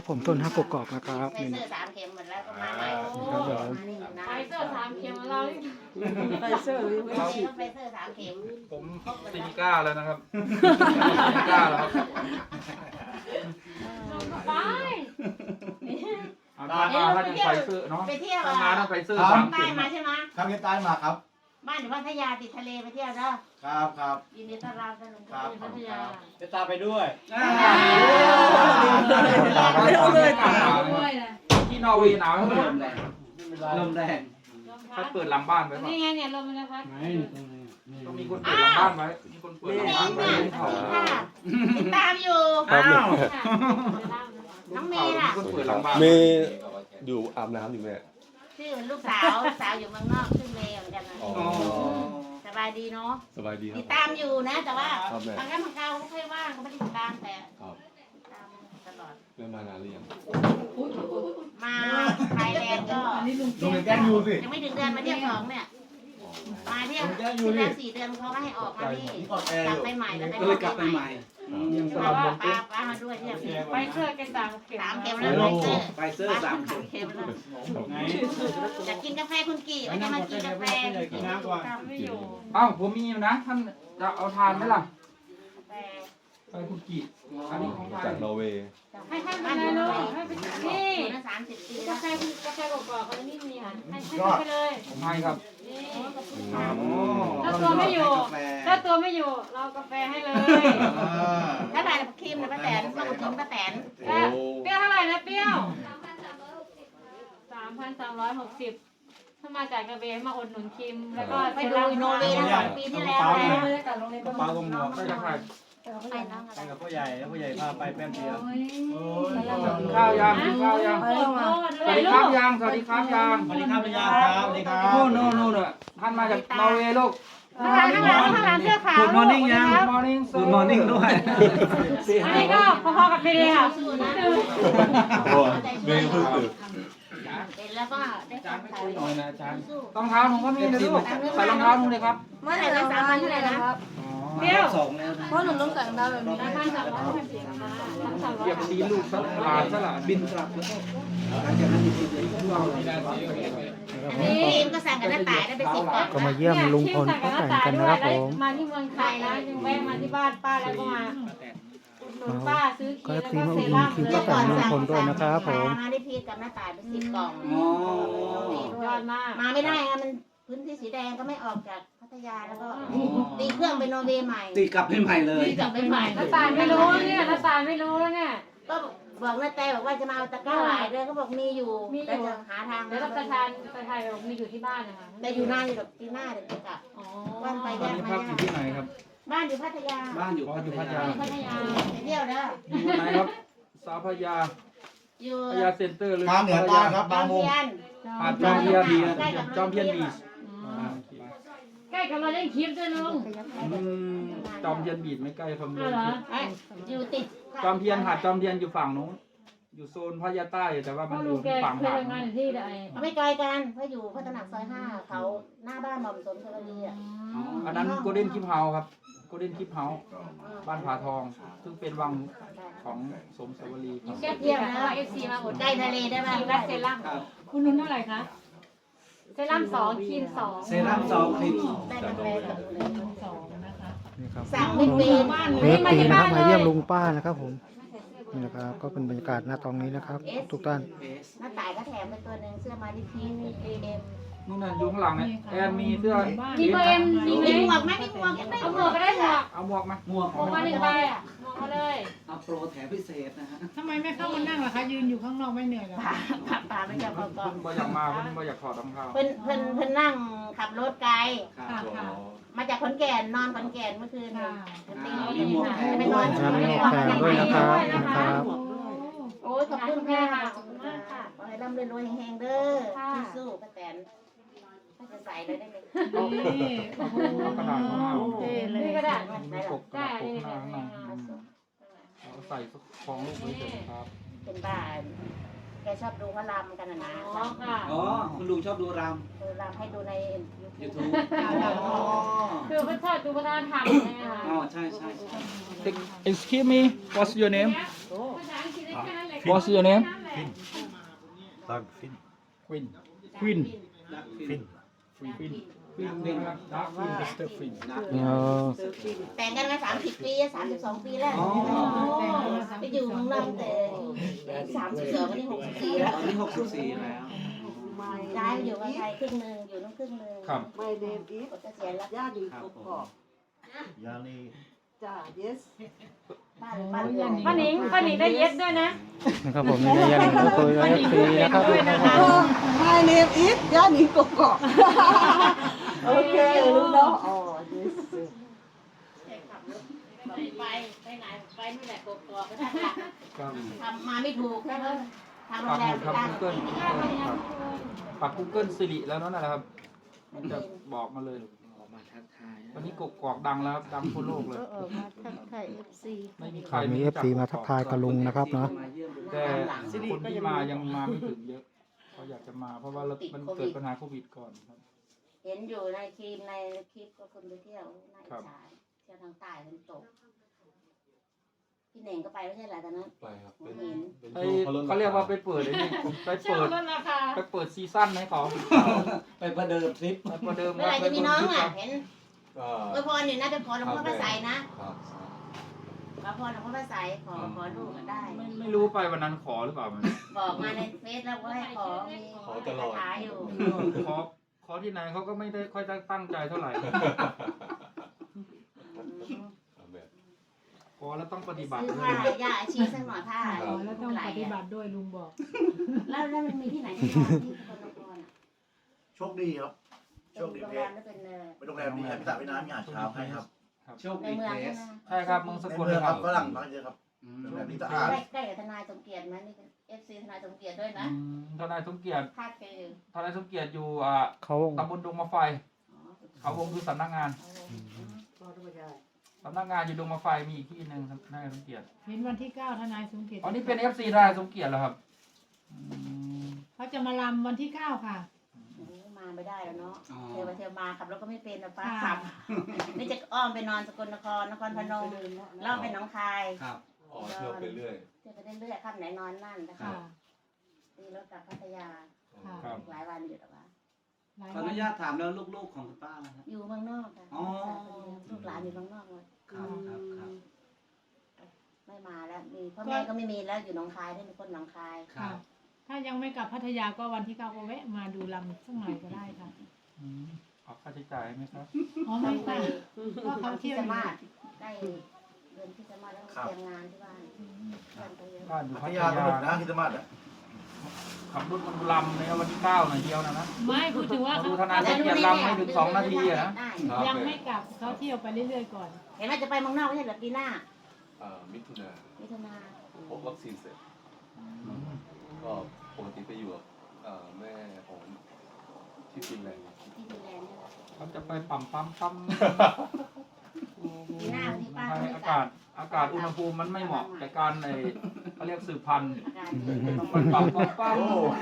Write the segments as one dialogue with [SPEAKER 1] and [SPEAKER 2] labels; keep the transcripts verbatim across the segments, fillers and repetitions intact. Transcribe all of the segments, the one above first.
[SPEAKER 1] ผมต้นฮักกกอกนะครับ
[SPEAKER 2] ไฟ
[SPEAKER 1] นี่
[SPEAKER 2] เซอร์สามเข็มหมดแล้วก็มาใหม่
[SPEAKER 1] ครับผม
[SPEAKER 3] ไฟเซอร์สามเข็มเรา
[SPEAKER 4] ไฟเซอร์
[SPEAKER 2] ไม่ใช่ต้องไฟเซอร์สามเข็ม
[SPEAKER 5] ผมซีก้าแล้วนะครับซีก้าแล้วครับ
[SPEAKER 3] ไป
[SPEAKER 5] เอาทานมาถ้าจะไฟเซอร์เนาะ
[SPEAKER 2] ไปเที่ยว
[SPEAKER 5] ทานมาต้องไฟเซอร์
[SPEAKER 2] สา
[SPEAKER 5] สาม ม
[SPEAKER 2] ใต้
[SPEAKER 5] เข็ม
[SPEAKER 2] มาใช่ไหม
[SPEAKER 6] ครับเฮียใต้มาครับ
[SPEAKER 2] บ้านอยู่พัทยาติดทะเลไปเที่ยวเนาะ
[SPEAKER 6] ครับครับ
[SPEAKER 2] ยินดีต้อนรับท่านลุง
[SPEAKER 6] ครับ
[SPEAKER 2] พัทยา
[SPEAKER 6] จะตามไปด้วย
[SPEAKER 4] ไม่รู้เลย
[SPEAKER 3] ด้วยนะ
[SPEAKER 5] ที่นอร์เวย์หนาวเท่าไหร่
[SPEAKER 6] ลมแรง
[SPEAKER 5] ถ้าเปิดหลังบ้านไว้ป่ะ
[SPEAKER 3] นี่ไงเนี่ยลมมันพัด
[SPEAKER 5] ต้องมีคนเปิดหลังบ้านไว้มีคนเปิดหลัง
[SPEAKER 2] เอ
[SPEAKER 5] บ้าน
[SPEAKER 2] ง
[SPEAKER 5] ไว้
[SPEAKER 2] เนี่ยสวัสดีค่ะติดตามอยู่
[SPEAKER 1] ครับ
[SPEAKER 2] น้องเม
[SPEAKER 5] เขา
[SPEAKER 2] ย์ล่ะ
[SPEAKER 5] มีคนเปิดหลังบ้าน
[SPEAKER 7] มีอยู่อาบน้ำอยู่แม่
[SPEAKER 2] ชื่อลูกสาวสาวอยู่เมืองนอกชื่อเมย์เหมือนกันนะ
[SPEAKER 7] อ๋อ
[SPEAKER 2] สบายดีเนาะ
[SPEAKER 7] สบายดีครั
[SPEAKER 2] ติ
[SPEAKER 7] บ
[SPEAKER 2] ดตามอยู่นะ แต่ว่า
[SPEAKER 7] ครับแม่
[SPEAKER 2] บางครั้งบางคราวเขาไม่ค่อยว่างเขาไม่ได้ติดตามแต่
[SPEAKER 7] ครับ
[SPEAKER 2] ติดตามตลอด
[SPEAKER 7] เริ่มมานานหรือยัง
[SPEAKER 2] มาไทยแลนด์ก็
[SPEAKER 6] ลุงแกล้งยูสิ
[SPEAKER 2] ยังไม่ถึงเดือนมาเที่ยวสองเนี่ย
[SPEAKER 7] อ๋อ
[SPEAKER 2] มาเที่ยวที่แล้วสี่เดือนเขาก็ให้ออกมานี่
[SPEAKER 6] ออนแอร์
[SPEAKER 2] กลับ
[SPEAKER 6] อยู่
[SPEAKER 2] ไปใหม่แล้ว
[SPEAKER 6] ก็เลยกลับไปใหม่
[SPEAKER 5] ยังส
[SPEAKER 2] ป้า
[SPEAKER 5] ลับลง
[SPEAKER 2] ป้าป้ามาด้วยที่นี่
[SPEAKER 3] ไฟเซอร์กันสามเข็ม
[SPEAKER 2] สามเข็มแล้วไฟเซอร์
[SPEAKER 6] ไฟเซอร์สาม
[SPEAKER 2] สามเข็มแล้ว
[SPEAKER 6] ไหน
[SPEAKER 2] จะกินกาแฟคุณกี่ว่าจะมากินกาแฟ
[SPEAKER 6] กินน้ำก่อน
[SPEAKER 3] ทำไม่อยู่
[SPEAKER 5] เอ้าผมมีนะท่านจะเอาทานไหมล่ะ
[SPEAKER 2] กาแฟ
[SPEAKER 5] ไปคุณกี่อันนี้ของไท
[SPEAKER 7] จาก
[SPEAKER 5] ย
[SPEAKER 7] นอร์เวย์
[SPEAKER 3] ให้ให้มาเลยลูกให้ไปนี่
[SPEAKER 2] น่าสามสิบปี
[SPEAKER 3] กา
[SPEAKER 2] แล้ว
[SPEAKER 3] แฟคุณกาแฟกรอกๆเขานี่มีค่ะให้ให้ไปเลย
[SPEAKER 5] ผมให้ครับ
[SPEAKER 3] นี่
[SPEAKER 5] อ๋อ
[SPEAKER 3] ถ้าตัวไม่อยู่ถ้าตัวไม่อยู่เรากาแฟให้เลย
[SPEAKER 2] ถ้าถ่ายครีมนะป้าแตนต้องกินป้าแตน
[SPEAKER 3] เปรี้ยวเท่าไหร่นะเปรี้ยวสามพันสามร้อยหกสิบถ้ามาจากกระเบนมาอดหนุนคิมแล้วก็
[SPEAKER 2] ไปดูโนเวย์นะสองปีที่แล้วนะ
[SPEAKER 6] ปลากงหมวก
[SPEAKER 5] ไปกับใคร
[SPEAKER 2] ไปน้องอะ
[SPEAKER 6] ไป
[SPEAKER 2] ไร
[SPEAKER 6] กับพ่อใหญ่แล้วพ่อใหญ่พาไปแป๊บเดียว
[SPEAKER 5] กินข้าวยังกินข้าวยัง
[SPEAKER 3] โอ้โห
[SPEAKER 5] สวัสดีครับยังสวัสดีครับยัง
[SPEAKER 6] สวัสดีครับพี่ยาครับสวัสดีครับ
[SPEAKER 5] โน่นโน่นโน่นน่ะท่านมาจากนอร์เวย์ลูก
[SPEAKER 3] ข้างหลังข้างหลังข้างหลังเสื้อขาว
[SPEAKER 5] Good morning ยัง Good morning
[SPEAKER 6] Good morning ด้วย
[SPEAKER 3] อันนี้ก็พอๆกับพี่เลยค่ะ
[SPEAKER 2] สู้นะ
[SPEAKER 7] โอ้เมย์เพิ่งตื่น
[SPEAKER 2] เป็นแล้วก็ได้ฟังข่าว
[SPEAKER 5] หน่อยนะอาจารย์รองเท้าหนูก็มีนะลูกใส่รองเท้าหนูเลยครับ
[SPEAKER 2] เมื่อไหร่จะสามวันเท่าไหร่นะ
[SPEAKER 3] เปรี้ยว
[SPEAKER 6] สองแล้ว
[SPEAKER 4] เพราะหนูต้องใส่รองเท้าแบบนี้
[SPEAKER 3] สามพันสามร้อยหกสิบมาทั้งสามร้อ
[SPEAKER 5] เหยี
[SPEAKER 3] ย
[SPEAKER 5] ยบตีลูกสลาดสลาดบินกลับแล้วก็
[SPEAKER 2] อันนี้ครีมก็สั่งกับน้าต่ายได้ไปสิบกล่อง
[SPEAKER 1] ก็มาเยี่ยมลุงพลป้าแตนกันนะครับผม
[SPEAKER 3] มาที่เมืองไทยนะยังแวะมาที่บ้านป้าแล้วก็มาอุดหนุนป้าซื้อค
[SPEAKER 1] ก็
[SPEAKER 3] รีม
[SPEAKER 1] ที
[SPEAKER 3] แล้ว
[SPEAKER 1] มา
[SPEAKER 3] ก็
[SPEAKER 1] อุด
[SPEAKER 3] เซ
[SPEAKER 1] หนุน
[SPEAKER 3] รั่ม
[SPEAKER 1] คิวป้าแตนลุงพลด้วยนะครับผม
[SPEAKER 2] มาได้พีกับน้าต่ายไปสิบกล่อง
[SPEAKER 6] อ๋อ
[SPEAKER 3] ยอดมาก
[SPEAKER 2] มาไม่ได้อะมันพื้นที่สีแดงก็ไม่ออกจากพัทยาแล้วก็ตีเครื่องไปโนเวย์ใหม่
[SPEAKER 6] ตีกลับให้ใหม่เลย
[SPEAKER 2] ตีกลับไปใหม่
[SPEAKER 3] น้าตายไม่รู้เนี่ยน้าตายไม่รู้เนี่ย
[SPEAKER 2] ก็บอกน้าแต่บอกว่าจะมาเอาตะกร้าหลายเลยเขาบอกมีอยู่
[SPEAKER 3] มีอยู่
[SPEAKER 2] แต่จะหาทาง
[SPEAKER 3] แล้วก็ประธานประธานบอกมีอยู่ที่บ้านนะคะ
[SPEAKER 2] แต่อยู่นานอยู่แบบปีหน้าเดี๋ยวจะกลับ
[SPEAKER 3] อ๋อ
[SPEAKER 2] วันไป
[SPEAKER 5] ตอน
[SPEAKER 2] แยก
[SPEAKER 5] นี้
[SPEAKER 2] มา
[SPEAKER 5] พักอยู่ที่ไหนครับ
[SPEAKER 2] บ้านอยู่พัทยา
[SPEAKER 6] บ้านอยู่
[SPEAKER 5] อ๋ออยู่พัทยา
[SPEAKER 2] พัทยาไปเที่ยวเด้อ
[SPEAKER 5] อยู่ไหนครับสาวพญา
[SPEAKER 2] อยู่
[SPEAKER 5] พญาเซ็นเตอร์หรือ
[SPEAKER 6] ทางเหนือใต้ครับ
[SPEAKER 2] บา
[SPEAKER 6] บาง ง
[SPEAKER 2] เพี
[SPEAKER 6] มุม
[SPEAKER 2] ยน
[SPEAKER 5] หาดจอมเทียนจอมเทียนบีช
[SPEAKER 3] ใกล้กับเราเล่นคลิปด้วยลุง
[SPEAKER 5] อืมจอมเทียนบีชไม่ใกล้คำเดี
[SPEAKER 3] อ้า
[SPEAKER 5] ยว
[SPEAKER 3] เหรอ
[SPEAKER 2] เอ้ยอยู่ติด
[SPEAKER 5] จอมเทียนหาดจอมเทียนอยู่ฝั่งนู้นอยู่โซนพญาใต้แต่ว่า
[SPEAKER 3] เพ
[SPEAKER 5] มัน
[SPEAKER 3] ราะ
[SPEAKER 5] อ
[SPEAKER 3] ลุ
[SPEAKER 5] ยู่
[SPEAKER 3] งแก
[SPEAKER 5] ฝั่ง
[SPEAKER 3] เคย
[SPEAKER 5] หาด
[SPEAKER 3] ทำงานอยู่ที่ใด
[SPEAKER 2] ไม่ไกลกันเพราะอยู่พัฒนาซอยห้าเขาหน้าบ้านหม่อมสมชลบุรีอ่ะ
[SPEAKER 5] อันนั้นโกลเด้นคิปเฮาครับโกลเด้นคิปเฮาบ้านผาทอง ซึ่งเป็นวังของสมสวรีครับ
[SPEAKER 3] แกเที่ยวนะเอฟซีมาอด
[SPEAKER 2] ใกล้ทะเลได้ไหม
[SPEAKER 3] ครีมและเซรั่มคุณนุ่นเท่าไหร่คะเซรั่มสองครีมสอง
[SPEAKER 6] เซรั่มสองคลิป
[SPEAKER 2] ได้กาแฟกับเลย
[SPEAKER 3] สองนะคะ
[SPEAKER 1] นี่ครับ
[SPEAKER 2] สั่งไม่เป็น
[SPEAKER 1] เวฟปีนะครับมาเยี่ยมลุงป้านะครับผมนี่นะครับก็เป็นบรรยากาศณตรงนี้นะครับ ทุกท่าน
[SPEAKER 2] หน้าต่ายก็แถมไปตัวหนึ่งเสื้อมาดิพีนเอ็ม
[SPEAKER 5] นู่นน่ะอยู่ข้างหลังเนี่ยแอนมีเสื้อ
[SPEAKER 3] มีเบอร์เอ็มมีไหม
[SPEAKER 2] มีหมวกไหมมีหมวกยังไม่
[SPEAKER 3] เอาหมวกก็ได้หมวก
[SPEAKER 5] เอาหมวกมา
[SPEAKER 6] หมวก
[SPEAKER 3] หมวกมาหนึ่งใบอ่ะหมวกมาเลย
[SPEAKER 6] เอาโปรแถมพิเศษนะฮะ
[SPEAKER 4] ทำไมไม่เข้ามานั่งล่ะคะ ยืนอยู่ข้างนอกไม่เหนื่อยเหรอ
[SPEAKER 2] ป่าป่าป่าไม่จะพอก่อ
[SPEAKER 5] เพิ่
[SPEAKER 2] น
[SPEAKER 5] นบ่อยากมาเพิ่นบ่อยากถอดรองเท้า
[SPEAKER 2] เพิ่นเพิ่นเพิ่นนั่งขับรถไกล
[SPEAKER 6] ครับ
[SPEAKER 2] มาจากขอนแก่นนอนขอนแก่นเมื่อคืนตีไปนอน
[SPEAKER 1] ครับมีหมวกแถมด้วยนะครับนะครับ
[SPEAKER 2] โอ้ยขอบคุณค่ะขอบคุณมากค่ะขอให้ร่ำรวยๆแห่งๆเด้อสู้ๆป้าแตนถ้าจะใส่เลยได้ไหม
[SPEAKER 5] เอากระดาษข้างหน้า
[SPEAKER 3] นี่ก็ได้
[SPEAKER 5] มีปกกระดาษปกข้างหน้าข้างหน้าเอาใส่ของลูกไว้เฉยครับ
[SPEAKER 2] เป็นบ้านแกชอบดูเขารำกันนะนะ
[SPEAKER 3] อ๋อค่ะ
[SPEAKER 6] อ๋อ คุณลุงชอบดูร
[SPEAKER 2] ดูรำให้ดูใน
[SPEAKER 6] ำยูทูบ อ๋อ
[SPEAKER 3] คือพระชาติดูวัฒนธรรมใช่ไหมคะ
[SPEAKER 6] อ๋อ ใช่ใช่ใช่
[SPEAKER 5] Excuse me what's your name
[SPEAKER 3] ภาษาอังกฤษได้แค่นั้นแหละ
[SPEAKER 5] What's your name?
[SPEAKER 7] Doug Finn.
[SPEAKER 5] Quinn.
[SPEAKER 1] Queen
[SPEAKER 7] ฟิน
[SPEAKER 5] Quinn. Quinn นะครับ Dark Quinn Mister Quinn.
[SPEAKER 1] เออ
[SPEAKER 2] แต่งกันมาสามสิบปีสามสิบสองปีแล้วไปอยู่เมืองนอกแต่สามสิบสองวันนี้หกสิบสี่แล้ว
[SPEAKER 6] ตอนนี้หกสิบสี่แล้ว
[SPEAKER 2] ย้ายไปอยู่กับไทยครึ่งหนึ่งอยู่นู่นครึ่งหนึ่ง
[SPEAKER 5] ครับ
[SPEAKER 8] My name is
[SPEAKER 2] กดเกษียณแล้ว
[SPEAKER 8] Yani
[SPEAKER 6] ครับผม
[SPEAKER 8] Kokok.
[SPEAKER 7] ยานี
[SPEAKER 8] Ja, yes.
[SPEAKER 2] บ้านบ้านเรือน
[SPEAKER 3] ป้าหนิงป้าหนิงได้เย็ดด้วยนะ
[SPEAKER 1] นะครับผมนี่ยันก็คุยกับเอฟซีนะครับ
[SPEAKER 8] Oh, my name is Yani Kokok. Okay, you know. Oh, yes.
[SPEAKER 2] ไปไปไหนไปนู่นแหละกกอกก็ได้ค่ะ
[SPEAKER 5] ครับ
[SPEAKER 2] ทำมาไม่ถูกก็ทางโร
[SPEAKER 5] ปั
[SPEAKER 2] ง
[SPEAKER 5] ก
[SPEAKER 2] แร
[SPEAKER 5] ห
[SPEAKER 2] ม
[SPEAKER 5] มุดครับ
[SPEAKER 2] ตั้ง
[SPEAKER 5] Google ครับปัก Google สิริแล้วนั่นแหละครับ มันจะบอกมาเลย
[SPEAKER 6] ออกมาทักทาย
[SPEAKER 5] วันนี้กกอกดังแล้วครับดังทั่วโลกเลย
[SPEAKER 2] ก็ออกมาทักทายเอฟซี
[SPEAKER 5] ไม่มีใคร
[SPEAKER 1] มีเอฟซีมาทักทายกับลุงนะครับเนาะ
[SPEAKER 6] มาเยี่ยมดู
[SPEAKER 5] แต่คนที่มายังมาไม่ถึงเยอะเขาอยากจะมาเพราะว่ามันเกิดปัญหาโควิดก่อนครับ
[SPEAKER 2] เห็นอยู่ในคลิปในคลิปก็คนไปเที่ยวน่าอิจฉาเที่ยวทางใต้มันตกพี่เน่งก็ไปไม่ใช่เหรอตอนนั้น
[SPEAKER 7] ไปครับเป็น
[SPEAKER 2] เห็น
[SPEAKER 7] เป็น
[SPEAKER 5] ไป
[SPEAKER 7] ช่วงเขาลด
[SPEAKER 5] เขาเรียกว่าไปเปิดไอ้นี่ไป
[SPEAKER 3] เชื่อ
[SPEAKER 5] เปิด
[SPEAKER 3] ลดราคา
[SPEAKER 5] ไปเปิดซีซั่นให้เขา
[SPEAKER 6] ไปประเดิมทริป
[SPEAKER 5] ไปประเดิม
[SPEAKER 2] เมื่อไหร่จะมีน้องอ่ะเห็น
[SPEAKER 7] ก็
[SPEAKER 2] อวยพรอยู่นะไปขอหลวงพ่อพระไสยนะครับ ขอพรหลวงพ่อพระไสยขอขอลูกก็ได้
[SPEAKER 5] ไม่ไม่รู้ไปวันนั้นขอหรือเปล่ามัน
[SPEAKER 2] บอกมาในเฟซแล้วว่าให้ขอมีคาถาอยู่
[SPEAKER 5] ขอขอที่ไหนเขาก็ไม่ได้ค่อยตั้งใจเท่าไหร่
[SPEAKER 7] เอาแบบ
[SPEAKER 5] ขอแล้วต้องปฏิบัติ
[SPEAKER 2] ซื้อ
[SPEAKER 5] ด้ว
[SPEAKER 2] ผ้าย ย่าอาชีสักหน่อยผ้า
[SPEAKER 4] อ๋อแล้วต้องปฏิบัติด้วยลุงบอก
[SPEAKER 2] แล้วแล้วมันมีที่ไหนที่นอนที่สกลนครอ่ะ
[SPEAKER 9] โชคดีครับ โช
[SPEAKER 2] เป็น
[SPEAKER 9] คดี
[SPEAKER 2] โรง
[SPEAKER 9] เพ
[SPEAKER 2] แร
[SPEAKER 9] ช
[SPEAKER 2] ม
[SPEAKER 9] ร
[SPEAKER 2] แล้วเป็นเอ่อ
[SPEAKER 9] เป็นโรงแรมดีครับพิซซ่าเวียดนามมีอาหารเช้าให้ครับ
[SPEAKER 6] โชค
[SPEAKER 2] ใน
[SPEAKER 6] ดี
[SPEAKER 2] เมือง
[SPEAKER 6] เพ
[SPEAKER 2] ใช่
[SPEAKER 6] ส
[SPEAKER 2] ไหม
[SPEAKER 5] ใช่ครับเมืองส
[SPEAKER 9] ใน
[SPEAKER 5] กล
[SPEAKER 9] เมือง
[SPEAKER 5] ค
[SPEAKER 9] ค
[SPEAKER 5] รั
[SPEAKER 9] รั
[SPEAKER 5] บบ
[SPEAKER 9] ฝรั่งมาเยอะครับ
[SPEAKER 6] อืม
[SPEAKER 9] โรงแรมนี้สะอาด
[SPEAKER 2] ใกล้ใกล้กับทนายสมเกียรติไหมนี่เป็นเอฟซีทนายสมเกียรติด้วยนะ
[SPEAKER 5] อืมทนายสมเกียรติ
[SPEAKER 2] คาดไปอยู่
[SPEAKER 5] ทนายสมเกียรติอยู่อ่า
[SPEAKER 1] เขา
[SPEAKER 5] ตำบลดงมะไฟ
[SPEAKER 2] อ๋อ
[SPEAKER 5] เขาวงคือสำนักงาน
[SPEAKER 8] ก็ไม่ได้
[SPEAKER 5] สำนักงานอยู่ดงมะไฟมีอีกที่หนึ่งทนายสมเกียรติ
[SPEAKER 4] เห็นวันที่เก้าทนายสมเกียรติ
[SPEAKER 5] อ๋อนี่เป็นเอฟซีทนายสมเกียรติเหรอครับอืม
[SPEAKER 4] เขาจะมาลำวันที่เก้าค่ะ
[SPEAKER 2] โอ้มาไม่ได้แล้วเนาะ
[SPEAKER 6] อ๋อ
[SPEAKER 2] เทวเทวมาขับรถก็ไม่เป็นนะป้า
[SPEAKER 4] ค่ะ
[SPEAKER 2] ขับ นี่จะอ้อมไปนอนสกลนครนครพนมเล่าไปหนองคาย
[SPEAKER 6] ครับ
[SPEAKER 7] อ๋อเที่ยวไปเรื่อย
[SPEAKER 2] เที่ยวไปเรื่อยๆค่ำไหนนอนนั่นนะ
[SPEAKER 4] ค่ะ
[SPEAKER 2] คะตีรถกลับพัทยา
[SPEAKER 4] ค่ะ
[SPEAKER 5] ครับ
[SPEAKER 2] หลายวันอยู่แต่ว่า
[SPEAKER 4] หลาย
[SPEAKER 6] ขออ
[SPEAKER 4] วั
[SPEAKER 6] นุ
[SPEAKER 4] น
[SPEAKER 6] ญาตถามแล้วลูกๆของคุณป้านะครับ
[SPEAKER 2] อยู่เมืองนอกค่ะ
[SPEAKER 6] อ๋อ
[SPEAKER 2] ลูกหลานอยู่เมืองนอกหมด
[SPEAKER 6] ครับครับครับ
[SPEAKER 2] ไม่มาแล้วมีพ่อแม่ก็ไม่มีแล้วอยู่หนองคายด้วยมีคนหนองคาย
[SPEAKER 6] ครั
[SPEAKER 4] ค่ะ
[SPEAKER 6] บ
[SPEAKER 4] ถ้ายังไม่กลับพัทยาก็วันที่เก้าก็แวะมาดูลำสักหน่อยก็ได้ค่ะ
[SPEAKER 5] อืมออกค่าใช้จ่ายไหมครับ
[SPEAKER 4] อ๋อไม่ค่ะก็เขา
[SPEAKER 2] ที่
[SPEAKER 4] เที่ยว
[SPEAKER 2] ส
[SPEAKER 4] อยู่
[SPEAKER 2] มาร์ทได้เดือนที่สมาร์ทแล้วมาเตรียมงานที่บ้านเพื่อนไปเยอะ
[SPEAKER 5] บ้านอยู่
[SPEAKER 9] พั
[SPEAKER 5] พั
[SPEAKER 9] ท
[SPEAKER 5] ท
[SPEAKER 9] ยาย
[SPEAKER 5] า
[SPEAKER 9] สนุกนะที่สมาร์ทอ่ะ
[SPEAKER 5] ขับรถมันลำในวันที่เก้าหน่อยเดียวนะนะ
[SPEAKER 4] ไม่พูดถึงว่า
[SPEAKER 5] มา
[SPEAKER 4] เขา
[SPEAKER 5] ดูทนายสมเกียรติลำไม่ถึงสองนาทีอะนะ
[SPEAKER 2] ได้
[SPEAKER 7] ครับ
[SPEAKER 4] ยังไม่กลับเขาเที่ยวไปเรื่อยๆก่อน
[SPEAKER 2] เห็นว่าจะไปเมืองนอกไม่ใช่เหรอปีหน้า
[SPEAKER 7] อ่ามิถุนา
[SPEAKER 2] มิถุนา
[SPEAKER 7] พบวัคซีนเสร็จ ก็ปกติไปอยู่กับเอ่อแม่ของที่ฟินแลนด์
[SPEAKER 2] ที่ฟินแลนด์เนี่ยนะ
[SPEAKER 5] เขาจะไปปั๊มปั๊มปั๊ม
[SPEAKER 2] ปีหน้าที่ป้า
[SPEAKER 5] ใช่
[SPEAKER 2] ไม่
[SPEAKER 5] อาก
[SPEAKER 2] ลั
[SPEAKER 5] า
[SPEAKER 2] บ
[SPEAKER 5] ศอากาศอุณหภูมิมันไม่เหมาะแก่การในเขาเรียกสืบพันธุ์
[SPEAKER 2] อาการเกิด
[SPEAKER 5] ต้องไปปั๊มปั๊มปั๊ม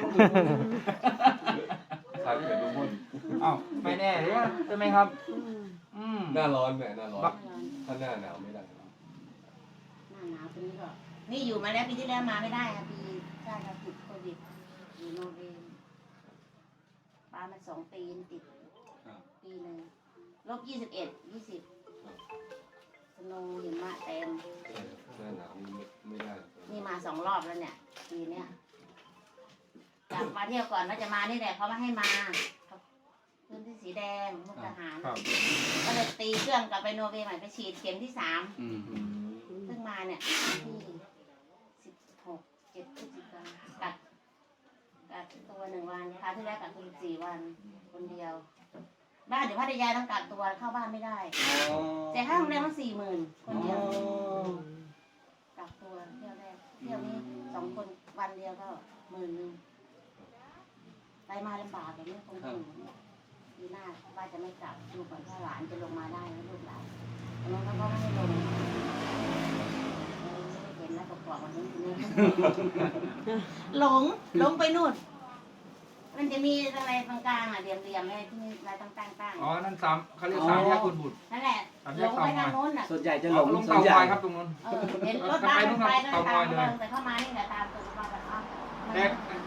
[SPEAKER 7] คล้ายกับทุกคน
[SPEAKER 5] เอ้าไม่แน่เลยใช่ไหมครับ อืม
[SPEAKER 7] หน้าร้อนแหมหน้าร้อน
[SPEAKER 5] บัก
[SPEAKER 7] ถ้าหน้าหนาวไม่ได้
[SPEAKER 2] หน้าหนาวปีนี้ก็นี่อยู่มาแล้วปีที่แล้วมาไม่ได้ค่ะปีใช่ค่ะติดโควิดอยู่โนเวมป้ามาสองปีติด
[SPEAKER 6] ครับ
[SPEAKER 2] ปีหนึ่งลบยี่สิบเอ็ดยี่สิบสโนว์หิมะเต็ม
[SPEAKER 7] หน้าหนาวนี่ไม่ได้
[SPEAKER 2] นี่มาสองรอบแล้วเนี่ยปีเนี้ยกลับมาเที่ยวก่อนว่าจะมานี่แหละเขาไม่ให้มาพื้นที่สีแดงมุกทหาร
[SPEAKER 5] ครับ
[SPEAKER 2] ก็เลยตีเครื่องกลับไปโนเวย์ใหม่ไปฉีดเข็มที่สาม
[SPEAKER 6] อืม
[SPEAKER 2] เพิ่งมาเนี่ยที่สิบหกเจ็ดพฤศจิกากักกักตัวหนึ่งวันคราวที่แล้วกักตัวสิบสี่วันคนเดียว บ้านอยู่พัทยาต้องกักตัวเข้าบ้านไม่ได้
[SPEAKER 6] อ๋อ
[SPEAKER 2] แต่ค่าโรงแรมมันสี่หมื่นคน
[SPEAKER 6] อ๋อ
[SPEAKER 2] เดียวกักตัวเที่ยวแรกเที่ยวนี้สองคนวันเดียวก็หมื่นหนึ่งไปมาลำบากแบบนี้คงถึงปีหน้าว่าจะไม่กลับดูก่อนถ้าหลานจะลงมาได้แล้วลูกหลานแต่น้องเขาก็ไม่ให้ลงเออไม่ได้เห็นนะกรอบๆวันนี้นี่ หลงหลงไปนู่น มันจะมีอะไรตรงกลางอ่ะเรียมเรียมๆอะไรที่มีอะไรตั้งตั้งตั้ง
[SPEAKER 5] อ๋อ นั่นสามเขาเรียกสามแยกคุณบุตร
[SPEAKER 2] นั่นแหละ
[SPEAKER 5] สามแย
[SPEAKER 2] หล
[SPEAKER 5] ก
[SPEAKER 2] ง
[SPEAKER 5] เตา
[SPEAKER 2] ไป
[SPEAKER 5] งอ
[SPEAKER 2] ทาง
[SPEAKER 5] ย
[SPEAKER 2] โน้นอ่ะ
[SPEAKER 6] ส่วนใหญ่จะห
[SPEAKER 5] อ๋
[SPEAKER 6] ล
[SPEAKER 5] อง ลง
[SPEAKER 6] ส่ว
[SPEAKER 5] เตาน
[SPEAKER 6] ให
[SPEAKER 5] ง
[SPEAKER 6] ญ่
[SPEAKER 5] อยครับตรงนู้น
[SPEAKER 2] เออเห็นรถบ้านรถไฟเดินทางเดินแต่เข้ามานี่แหละตามตรง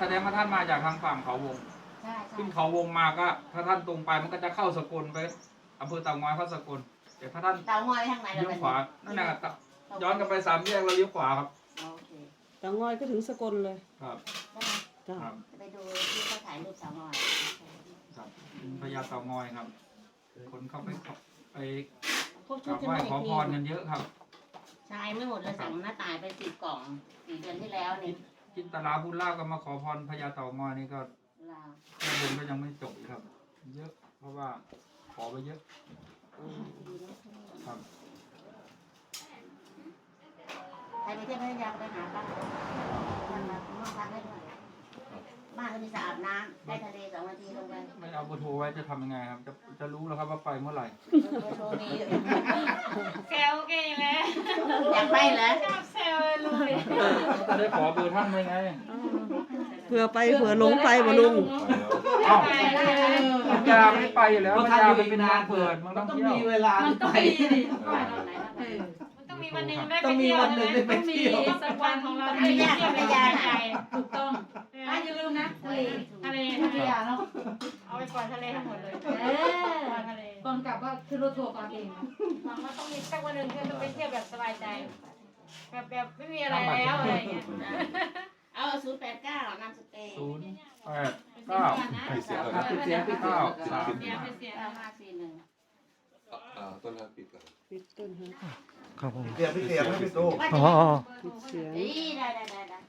[SPEAKER 5] แสดงว่าท่านมาจากทางฝั่งเขาวง
[SPEAKER 2] ใช่ใช่
[SPEAKER 5] ขึ้นเขาวงมาก็ ถ้าท่านตรงไปมันก็จะเข้าสกลไปอำเภอเต่างอยเข้าสกลแต่ถ้าท่าน
[SPEAKER 2] เตางอยไปทางไหน
[SPEAKER 5] เลี้ยวขวานั่นน่ะตะย้อนกลับไปสามแยกแล้วเลี้ยวขวาครับ
[SPEAKER 2] โอเค
[SPEAKER 8] เตางอยก็ถึงสกลเลย
[SPEAKER 5] ครับ
[SPEAKER 2] ได้ไหม
[SPEAKER 8] จ้ะ
[SPEAKER 5] ครับ
[SPEAKER 2] ไปดูที่เขาถ่ายรูปเตางอย
[SPEAKER 5] ครับพญาเต่างอยครับ คนเข้าไปขอไป
[SPEAKER 2] พวก
[SPEAKER 5] ก
[SPEAKER 2] ชุ
[SPEAKER 5] รา
[SPEAKER 2] ด
[SPEAKER 5] บ
[SPEAKER 2] จะ
[SPEAKER 5] ไหว้
[SPEAKER 2] ไม่
[SPEAKER 5] ขอ
[SPEAKER 2] ได้
[SPEAKER 5] พรกันเยอะครับ
[SPEAKER 2] ใช่ไม่หมดเลยสั่งหน้าตายไปสิบกล่องสี่เดือนที่แล้วนี่
[SPEAKER 5] จินตลาบุญลาภก็มาขอพรพญาเต่างอยนี่ก็
[SPEAKER 2] ลาว
[SPEAKER 5] แค่บุญก็ยังไม่จบอีกครับ เยอะ เพราะว่าขอไปเยอะครับ
[SPEAKER 2] ใครไปเที่ยวพัทยาไปหาบ้านบ้านบ้านพักได้ด้วยบ้านก็มีสระอาบน้ำได้ทะเลสองนาทีลงไป
[SPEAKER 5] ไม่เอาเบอร์โทรไว้จะทำยังไงครับ จะจะรู้แล้วครับว่าไปเมื่อไหร่
[SPEAKER 2] เบอร์โทรมี
[SPEAKER 3] แซวเก่งแล้ว
[SPEAKER 2] อยากไปเหรอ
[SPEAKER 3] ชอบแซวเลย
[SPEAKER 5] จะได้ขอเบอร์ท่านเลยไง
[SPEAKER 8] เผื่อไปเผื่อหลงไปบ่ลุง
[SPEAKER 5] เอ้า
[SPEAKER 3] ไปได้เลย
[SPEAKER 5] พัทยาไม่ได้ไปอยู่แล้วพัทยามันเป็นเมืองเปิดเมือง
[SPEAKER 6] มั
[SPEAKER 5] ท่
[SPEAKER 6] น
[SPEAKER 5] อง
[SPEAKER 6] ต้อง
[SPEAKER 5] เที่ยว
[SPEAKER 6] มีเวลา
[SPEAKER 3] มันต้อง
[SPEAKER 6] ไป
[SPEAKER 3] มีดิ
[SPEAKER 2] ไปตอนไหนนะ
[SPEAKER 3] เออมันต้องมีวันหนึ่งได้
[SPEAKER 6] ต้
[SPEAKER 3] ไป
[SPEAKER 6] องมี
[SPEAKER 3] เที่ยว
[SPEAKER 6] วันหนึ่งได้ไป
[SPEAKER 3] ต้องมี
[SPEAKER 6] เที่ยว
[SPEAKER 3] สักวันของเราได้ไปเที่ยวแบบใหญ่ๆถูกต้องอ่ะอย่าลืมนะทะเลทะเลพัทยาเนาะเอาไปปล่อยทะเลทั้งหมดเลยเออปล่อยทะเลก่อนกลับก็คือรถทัวร์ก่อนเองหวังว่าต้องมีสักวันหนึ่งที่จะไปเที่ยวแบบสบายใจ แบบแบบไม่มีอะไรแล้วอะไรอย่างเงี้ย
[SPEAKER 2] เอาศูนย์แปดเก้านามสเตย์
[SPEAKER 5] ศูนย์แปดเก้า
[SPEAKER 7] ไปเสียก่อน
[SPEAKER 6] อ่ะ
[SPEAKER 7] นะ
[SPEAKER 6] ปิดเสียงปิดเสีย
[SPEAKER 5] เก้าง สาม
[SPEAKER 3] เสียไปเสีย
[SPEAKER 2] เก้าห้าสี่หนึ่ง
[SPEAKER 7] อ่ะอ่าต้นทางปิดก่อน
[SPEAKER 8] ปิดต้นฮะ
[SPEAKER 1] ครับผม
[SPEAKER 9] เสียงพี่เสียงไม่พี่ตู้
[SPEAKER 1] อ๋ออ๋อ
[SPEAKER 8] ปิดเสียง
[SPEAKER 2] นี่ได้ได้ได้ได้